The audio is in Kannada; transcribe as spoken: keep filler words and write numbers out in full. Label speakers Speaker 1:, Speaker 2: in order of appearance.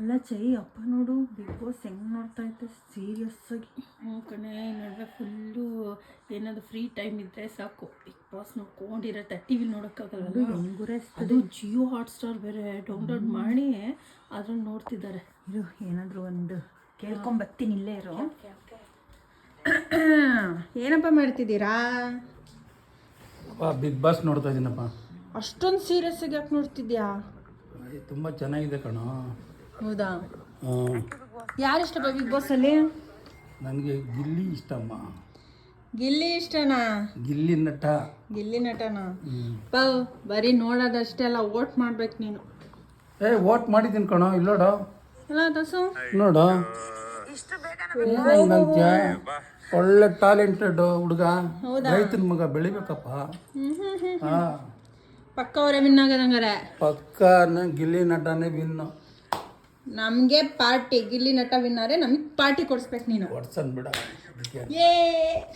Speaker 1: ಅಲ್ಲ ಚೈ ಅಪ್ಪ ನೋಡು ಬಿಗ್ ಬಾಸ್ ಹೆಂಗೆ ನೋಡ್ತಾ ಇದ್ದೆ ಸೀರಿಯಸ್ ಆಗಿ.
Speaker 2: ಹ್ಞೂ ಕಣೆ ನಡುವೆ ಫುಲ್ಲು ಏನಾದರೂ ಫ್ರೀ ಟೈಮ್ ಇದ್ದರೆ ಸಾಕು ಬಿಗ್ ಬಾಸ್ ನೋಡ್ಕೊಂಡಿರತ್ತೆ. ಟಿ ವಿ ನೋಡೋಕ್ಕಾಗಲ್ಲ,
Speaker 1: ಹೆಂಗುರೆ
Speaker 2: ಅದು ಜಿಯೋ ಹಾಟ್ಸ್ಟಾರ್ ಬೇರೆ ಡೌನ್ಲೋಡ್ ಮಾಡಿ ಅದ್ರಲ್ಲಿ ನೋಡ್ತಿದ್ದಾರೆ.
Speaker 1: ಇರು ಏನಾದರೂ ಒಂದು ಕೇಳ್ಕೊಂಬರ್ತೀನಿ, ಇಲ್ಲೇ ಇರು. ಏನಪ್ಪ ಮಾಡ್ತಿದ್ದೀರಾ?
Speaker 3: ಬಿಗ್ ಬಾಸ್ ನೋಡ್ತಾ ಇದ್ದೀನಪ್ಪ.
Speaker 1: ಅಷ್ಟೊಂದು ಸೀರಿಯಸ್ ಆಗಿ ಯಾಕೆ ನೋಡ್ತಿದ್ಯಾ?
Speaker 3: ತುಂಬ ಚೆನ್ನಾಗಿದೆ ಕಣೋ.
Speaker 1: ಹೌದಾ?
Speaker 3: ಹ್ಞೂ.
Speaker 1: ಯಾರು ಇಷ್ಟಪ್ಪ ಬಿಗ್ ಬಾಸಲ್ಲಿ?
Speaker 3: ನನಗೆ ಗಿಲ್ಲಿ ಇಷ್ಟಮ್ಮ.
Speaker 1: ಗಿಲ್ಲಿ ಇಷ್ಟನಾ?
Speaker 3: ಗಿಲ್ಲಿ ನಟ.
Speaker 1: ಗಿಲ್ಲಿ ನಟನಾ? ಪ ಬರೀ ನೋಡೋದಷ್ಟೇ ಅಲ್ಲ, ವೋಟ್ ಮಾಡ್ಬೇಕು ನೀನು.
Speaker 3: ಏ ವೋಟ್ ಮಾಡಿದ್ದೀನಿ ಕಣೋ, ಇಲ್ಲೋಡ
Speaker 1: ಅಲ್ಲ ದಸು
Speaker 3: ನೋಡು. ನನಗೆ ಒಳ್ಳೆ ಟ್ಯಾಲೆಂಟೆಡ್ ಹುಡುಗ, ರೈತನ ಮಗ, ಬೆಳಿಬೇಕಪ್ಪ. ಹಾಂ
Speaker 1: ಪಕ್ಕ ಅವರೇ ವಿನ್ ಆಗೋದಂಗಾರೆ.
Speaker 3: ಪಕ್ಕ ಗಿಲ್ಲಿ ನಟನೇ ವಿನ್ನು.
Speaker 1: ನಮಗೆ ಪಾರ್ಟಿ ಗಿಲ್ಲಿ ನಟ ವಿನ್ನರೆ, ನಮಗೆ ಪಾರ್ಟಿ ಕೊಡಿಸ್ಬೇಕು ನೀನು.
Speaker 3: ಕೊಡ್ಸನ್ ಬಿಡ.
Speaker 1: ಏ